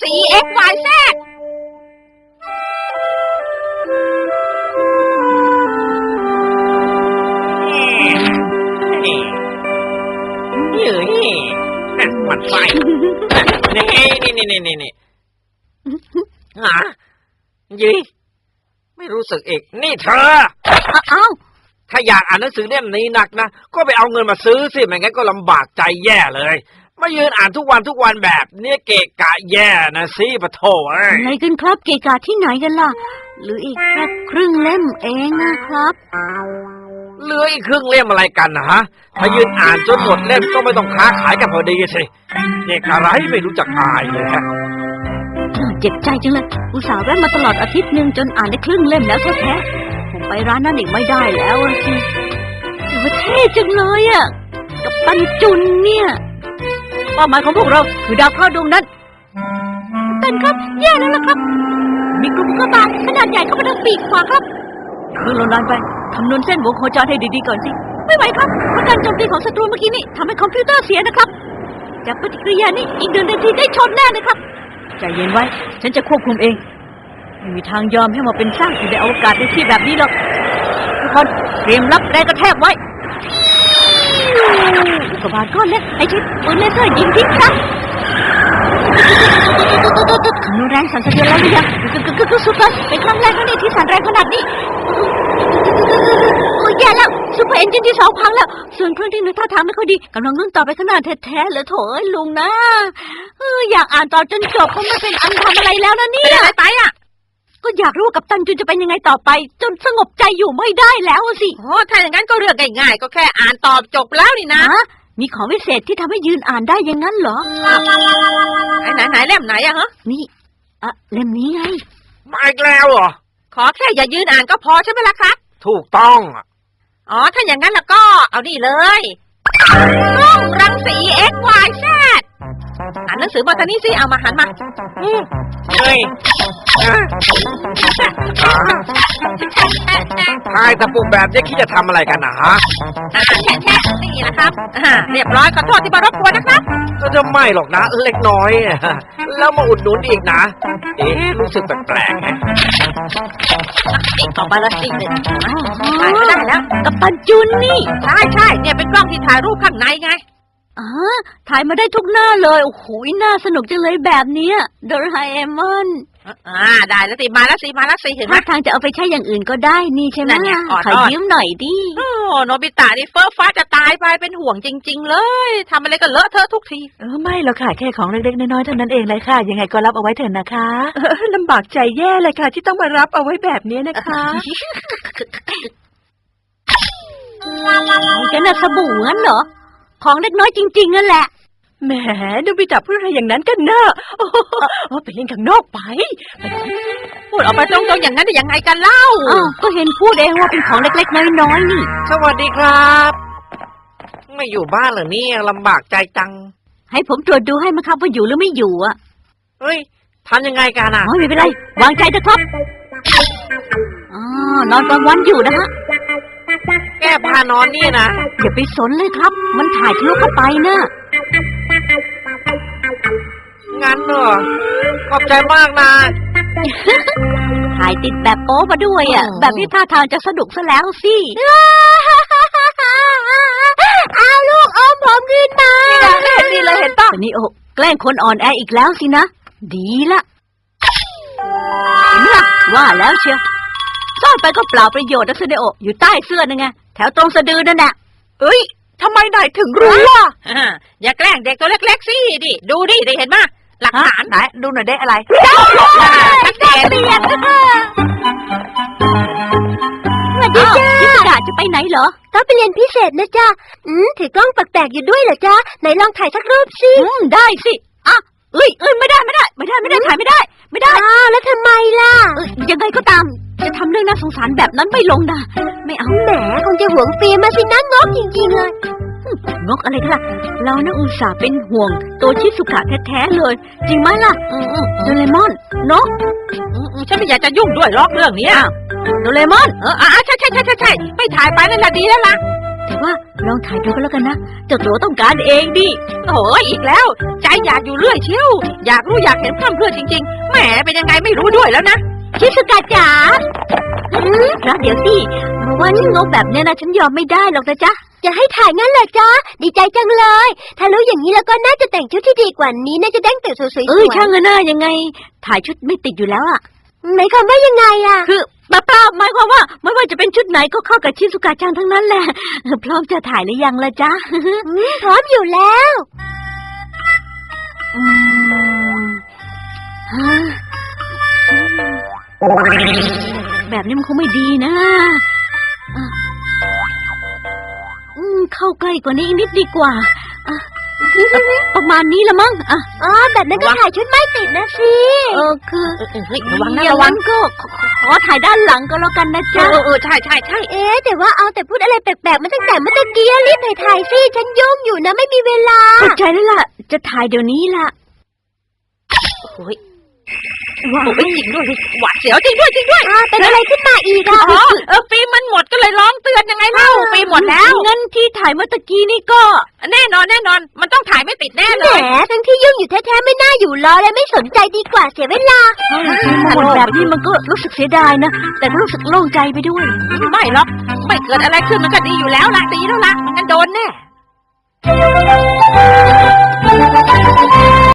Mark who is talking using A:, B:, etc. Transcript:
A: 4XYZ
B: มันไฟนี่หายี่ไม่รู้สึกอีกนี่เธอถ้าอยากอ่านหนังสือเล่มนี้หนักนะก็ไปเอาเงินมาซื้อสิไม่งั้นก็ลำบากใจแย่เลยมายืนอ่านทุกวันแบบนี้เกะกะแย่นะสิปะโถ
C: อะไรกันครับเกะกะที่ไหนกันล่ะหรืออีกแค่ครึ่งเล่มเองนะครับ
B: เหลืออีกครึ่งเล่มอะไรกันนะฮะถ้ายืนอ่านจนหมดเล่มก็ไม่ต้องค้าขายกันพอดีสิเด็กอะไรไม่รู้จักอายเลยฮะ
C: เจ็บใจจังเลยอุตส่าห์แวะมาตลอดอาทิตย์นึงจนอ่านได้ครึ่งเล่มแล้วแท้ๆผมไปร้านนั้นอีกไม่ได้แล้วสิแต่ว่าเท่จังเลยอ่ะกับปันจุนเนี่ยเป้าหมายของพวกเราคือดาวเคราะห์ดวงนั้นเป็นครับแย่แล้วนะครับมีกลุ่มอุกกาบาตขนาดใหญ่เข้ามาทางปีกขวาครับคือเรานานไปคำนวณเส้นวงโคจรให้ดีๆก่อนสิไม่ไหวครับเพราะการโจมตีของศัตรูเมื่อกี้นี่ทำให้คอมพิวเตอร์เสียนะครับจากปฏิกิริยานี้อีก1 นาทีได้ชนแน่นะครับใจเย็นไว้ฉันจะควบคุมเองไม่มีทางยอมให้มาเป็นสร้างอยู่ในอวกาศในที่แบบนี้หรอกทุกคนเตรียมรับแรงกระแทกไว้อุกกาบาตก้อนเล็กให้ใช้ปืนเลเซอร์ยิงทิ้งซะคำนวณแรงสั่นสะเทือนแล้วหรือยังสุดเลยเป็นครั้งแรกที่สั่นแรงขนาดนี้โอ้ยแย่แล้วซุปเปอร์เอนจินที่2พังแล้วส่วนเครื่องที่1ท่าทางไม่ค่อยดีกำลังเลื่อนต่อไปขนาดแท้ๆเลยโถเอ้ยลุงนะอยากอ่านต่อจนจบก็ไม่เป็นอันทำอะไรแล้วนะเนี่ย
A: เป็นอะไรไปอ่ะ
C: ก็อยากรู้ว่ากัปตันจุนจะเป็นยังไงต่อไปจนสงบใจอยู่ไม่ได้แล้วสิ
A: โอ้ถ้าอย่างนั้นก็เรื่องง่ายๆก็แค่อ่านตอบจบแล้วนี่นะ
C: มีของวิเศษที่ทำให้ยืนอ่านได้อย่างนั้นเหรอ
A: ไหนเล่มไหนอะฮะ
C: นี่เล่มนี้ไง
B: มาอีกแล้วเหรอ
A: ขอแค่อย่ายืนอ่านก็พอใช่ไหมล่ะครับ
B: ถูกต้อง
A: อ๋อถ้าอย่างนั้นแล้วก็เอานี่เลยกล้องรังสี XYZ อ่านหนังสือบทนี้สิเอามาหันมา
B: เฮ้ยทายตะปุ่มแบบนี้คิดจะทำอะไรกันนะฮะ
A: แช่นี่นะครับเรียบร้อยขอโทษที่มารบกวนนะครับ
B: ก็จะไม่หรอกนะเล็กน้อยแล้วมาอุดหนุนอีกนะรู้สึกแปลกๆไง
A: อีกต่อไปละอีก1ถ่ายไม่ได้แล้ว
C: กัปตันจุนนี่
A: ใช่เนี่ยเป็นกล้องที่ถ่ายรูปข้างในไง
C: ถ่ายมาได้ทุกหน้าเลยโอ้โหน่าสนุกจังเลยแบบนี้โดราเอมอน
A: ได้แล้วสิมาแล้วสิเห็นไหม
C: ถ้าทางจะเอาไปใช้อย่างอื่นก็ได้นี่ใช่ไหมขอยืมหน่อยดิ
A: โนบิตะนี่เฟ้อฟ้าจะตายไปเป็นห่วงจริงๆเลยทำอะไรก็เลอะเทอะทุกที
C: ไม่หรอกค่ะแค่ของเล็กๆน้อยๆเท่านั้นเองเลยค่ะยังไงก็รับเอาไว้เถอะนะคะลำบากใจแย่เลยค่ะที่ต้องมารับเอาไว้แบบนี้นะคะจะน่าสบู่งั้นเหรอของเล็กน้อยจริงๆนั่นแหละแหมดูไปจับพูดอะไรอย่างนั้นกันเนอะไปเล่นข้างนอกไป
A: พูดออกมาตรงๆอย่างนั้นได้ยังไงกันเล่า
C: ก็เห็นพูดเองว่าเป็นของเล็กๆน้อยๆนี่
B: สวัสดีครับไม่อยู่บ้านเหรอเนี่ยลำบากใจจัง
C: ให้ผมตรวจดูให้มั้ยครับว่าอยู่หรือไม่อยู่อ่ะ
B: เฮ้ยทำยังไงกันอ่ะ
C: ไม่เป็นไรวางใจเถอะครับนอนกลางวันอยู่นะฮะ
B: แก้ผ้านอนนี่นะ
C: อย่าไปสนเลยครับมันถ่ายทะลุเข้าไปนะ
B: งั้นเหรอขอบใจมากนะ
C: ถ่ายติดแบบโป๊มาด้วยอ่ะแบบที่ท่าทางจะสนุกซะแล้วสิเอาลูกอมผมขึ้นมา
A: นี่เลยเห็นป่ะ
C: นี่โอ้แกล้งคนอ่อนแออีกแล้วสินะดีละเห็นไหมล่ะว่าแล้วเชียวซ่อนไปก็เปล่าประโยชน์นะเซเดโออยู่ใต้เสื้อนั่นไงแถวตรงสะดือนั่นแหละ
A: เอ้ยทำไมนายถึงรู้อ่ะอย่าแกล้งเด็กตัวเล็กๆสิดิดูดิได้เห็นป่ะหลักฐาน
C: ไหนดูหน่อยได้อะไร
A: ชัดเจน
C: สวัสดีจ้าพิสดาจะไปไหนเหรอต้องไปเรียนพิเศษนะจ้าถือกล้องแปลกๆอยู่ด้วยเหรอจ้าไหนลองถ่ายสักรูปสิได้สิเอ้ยไม่ได้ถ่ายไม่ได้แล้วทำไมล่ะยังไงก็ตามจะทำเรื่องน่าสงสารแบบนั้นไม่ลงนะไม่เอาแหมคงจะหวงฟิล์มมาสินะงกจริงๆเลยงกอะไรกันล่ะเรานะอุตส่าห์เป็นห่วงโตชิสุกะแท้ๆเลยจริงไหมล่ะโดเรมอนเนาะ
A: ฉันไม่อยากจะยุ่งด้วยหรอกเรื่องนี้
C: โดเรมอน
A: ใช่ไม่ถ่ายไปนั่นแหละดีแล้วล่ะ
C: แต่ว่าลองถ่ายดูก็แล้วกันนะเจ้าตัวต้องการเองดิ
A: โอ้ยอีกแล้ว ใจอยากอยู่เรื่อยเชียวอยากรู้อยากเห็นพร่ำเพรื่อจริงๆแหมเป็นยังไงไม่รู้ด้วยแล้วนะ
C: ชิสุกะจ๋าแล้วเดี๋ยวสิมาว่าฉันงกแบบเนี้ยนะฉันยอมไม่ได้หรอกนะจ๊ะจะให้ถ่ายงั้นเหรอจ๊ะดีใจจังเลยถ้ารู้อย่างนี้แล้วก็น่าจะแต่งชุดที่ดีกว่านี้น่าจะแต่งตัวสวยๆช่างเนอะยังไง ถ่ายชุดไม่ติดอยู่แล้วอะหมายความว่ายังไงอะคือเปล่าหมายความว่าไม่ว่าจะเป็นชุดไหนก็เข้ากับชิสุกะจังทั้งนั้นแหละพร้อมจะถ่ายหรือยังล่ะจ๊ะพร้อมอยู่แล้วแบบนี้มันคงไม่ดีนะเข้าใกล้กว่านี้อีกนิดดีกว่าประมาณนี้ละมั้งแบบนั้นก็ถ่ายชุดไม่ติดนะสิคือ
A: เฮ้ยระวังนะ
C: อย่า
A: ระวัง
C: ก็ขอถ่ายด้านหลังก็แล้วกันนะจ๊ะ
A: ใช่
C: แต่ว่าเอาแต่พูดอะไรแปลกๆมาตั้งแต่เมื่อตะกี้รีบถ่ายสิฉันยุ่งอยู่นะไม่มีเวลาเข้าใจแล้วล่ะจะถ่ายเดี๋ยวนี้ล่ะ
A: โอ้ยว้าวจริงด้วยหวาดเสียวจริงด้วย
C: เป็นอะไรขึ้นมาอีกอ่ะ
A: ฟิล์มมันหมดก็เลยร้องเตือนยังไงเล่าฟิล์มหมดแล้ว
C: งั้นที่ถ่ายเมื่อตะกี้นี่ก็
A: แน่นอนมันต้องถ่ายไม่ติดแน่เล
C: แห
A: ย
C: มทั้งที่ยุ่งอยู่แท้ๆไม่น่าอยู่รอเลยไม่สนใจดีกว่าเสียเวลาหมดแบบนี้มันก็รู้สึกเสียดายนะแต่ก็รู้สึกโล่งใจไปด้วย
A: ไม่หรอกไม่เกิดอะไรขึ้นมันก็ดีอยู่แล้วล่ะดีแล้วล่ะมันงั้นโดนแน่